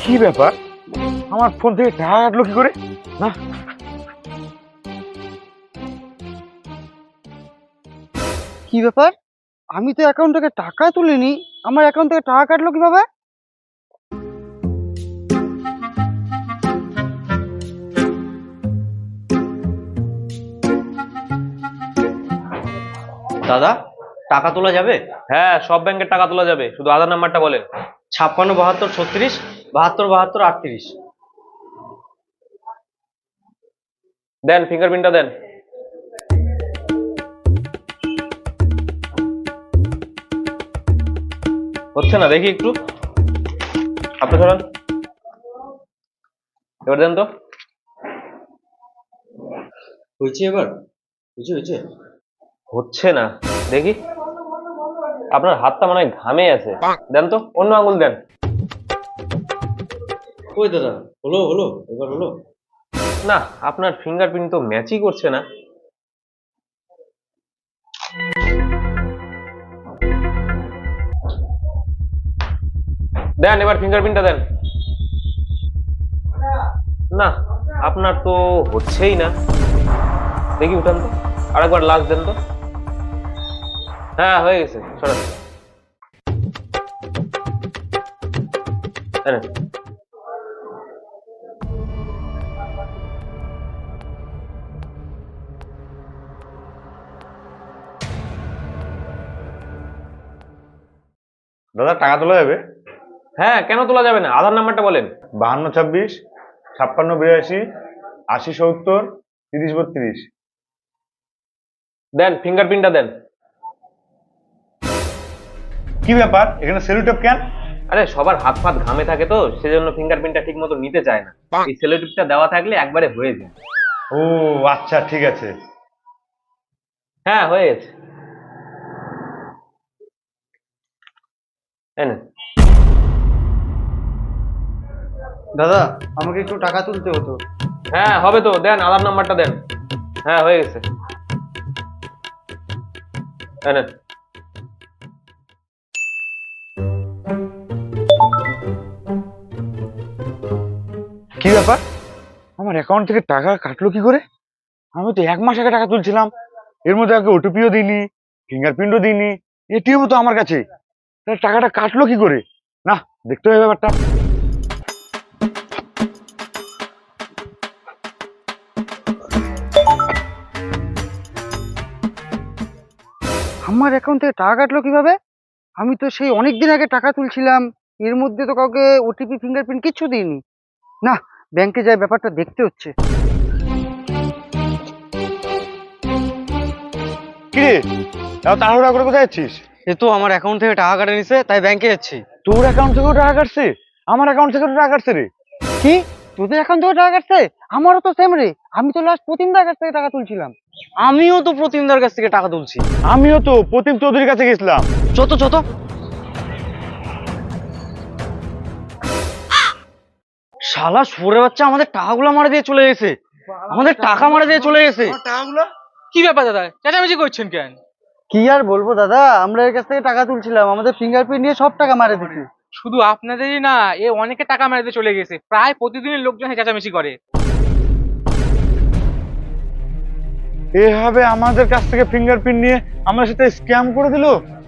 কি ব্যাপার, আমার ফোন থেকে টাকা কাটলো কি করে? না, কি ব্যাপার? আমি তো অ্যাকাউন্ট থেকে টাকা তুলিনি, আমার অ্যাকাউন্ট থেকে টাকা কাটলো কিভাবে? দাদা, টাকা তোলা যাবে? হ্যাঁ, সব ব্যাংকের টাকা তোলা যাবে, শুধু আধার নাম্বারটা বলেন। 56 72 36 72 72 38। দেন, ফিঙ্গারপ্রিন্টটা দেন। হচ্ছে না, দেখি একটু। আপনি সরান, এবার দেন তো। হয়েছে এবার? হয়েছে? হচ্ছে না, দেখি। আপনার হাতটা মনে হয় ঘামে আছে। দেন তো, অন্য আঙুল দেন। ওই দাদা, হলো এবার হলো। না, আপনার ফিঙ্গারপ্রিন্ট তো ম্যাচই করছে না। দেন, এবার ফিঙ্গারপ্রিন্টটা দেন। না, আপনার তো হচ্ছেই না। দেখি, উঠান তো, আরেকবার লাস্ট দেন তো। হ্যাঁ, হয়ে গেছে, সরান। এই নেন। দাদা টাকা তোলা যাবে? হ্যাঁ, কেন তোলা যাবে না? আধার নাম্বারটা বলেন। 52 56 52 80 70 30 32। দেন, ফিঙ্গারপ্রিন্টটা দেন। কি ব্যাপার, এখানে সেলুটেপ কেন? আরে, সবার হাত ফাত ঘামে থাকে তো, সেজন্য ফিঙ্গারপ্রিন্টটা ঠিক মতো নিতে চায় না। এই সেলোটিপটা দেওয়া থাকলে একবারে হয়ে যায়। ও আচ্ছা, ঠিক আছে। হ্যাঁ, হয়ে গেছে। এই নেন। দাদা, আমাকে একটু টাকা তুলতে হতো। হ্যাঁ, হবে তো, দেন আধার নাম্বারটা দেন। হ্যাঁ, হয়ে গেছে। এই নেন। কি ব্যাপার, আমার অ্যাকাউন্ট থেকে টাকা কাটলো কি করে? আমি তো 1 মাস আগে টাকা তুলছিলাম, এর মধ্যে আগে ওটিপিও দিইনি, ফিঙ্গারপ্রিন্টও দিইনি, এটিএমও তো আমার কাছে। তাহলে টাকাটা কাটলো কি করে? না, দেখতে হবে ব্যাপারটা। আমার অ্যাকাউন্ট থেকে টাকা কাটলো কিভাবে? আমি তো সেই অনেক দিন আগে টাকা তুলছিলাম, এর মধ্যে তো কাউকে ওটিপি ফিঙ্গারপ্রিন্ট কিচ্ছু দিইনি। না, ব্যাংকে যাই ব্যাপারটা দেখতে হচ্ছে। কিরে, তাও তাড়াহুড়া করে কোথায় যাচ্ছিস? এ তো আমার অ্যাকাউন্ট থেকে টাকা কাটা নিছে, তাই ব্যাংকে যাচ্ছি। তোর অ্যাকাউন্ট থেকেও টাকা কাটছে? আমার অ্যাকাউন্ট থেকেও টাকা কাটছে রে। কি? তোদের অ্যাকাউন্ট থেকে টাকা কাটছে? আমারও তো সেম রে, আমি তো লাস্ট প্রতিমদার কাছ থেকে টাকা তুলছিলাম। আমিও তো প্রতিমদার কাছ থেকে টাকা তুলছি। আমিও তো প্রতিম চৌধুরীর কাছে গেছিলাম। চত শালা শুয়োরের বাচ্চা আমাদের টাকাগুলো মারা দিয়ে চলে গেছে। আমাদের টাকা মারা দিয়ে চলে গেছে। কি ব্যাপার দাদা, চেঁচামেচি করছেন কেন? কি আর বলবো দাদা, আমরা এর কাছ থেকে টাকা তুলছিলাম, আমাদের ফিঙ্গারপ্রিন্ট নিয়ে সব টাকা মারে দিচ্ছে। শুধু আপনাদেরই না, এ অনেকে টাকা মেরে দিয়ে চলে গেছে। প্রায় প্রতিদিনই লোকজন চেঁচামেচি করে। এভাবে আমাদের কাছ থেকে ফিঙ্গারপ্রিন্ট নিয়ে আমার সাথে স্ক্যাম করে দিল।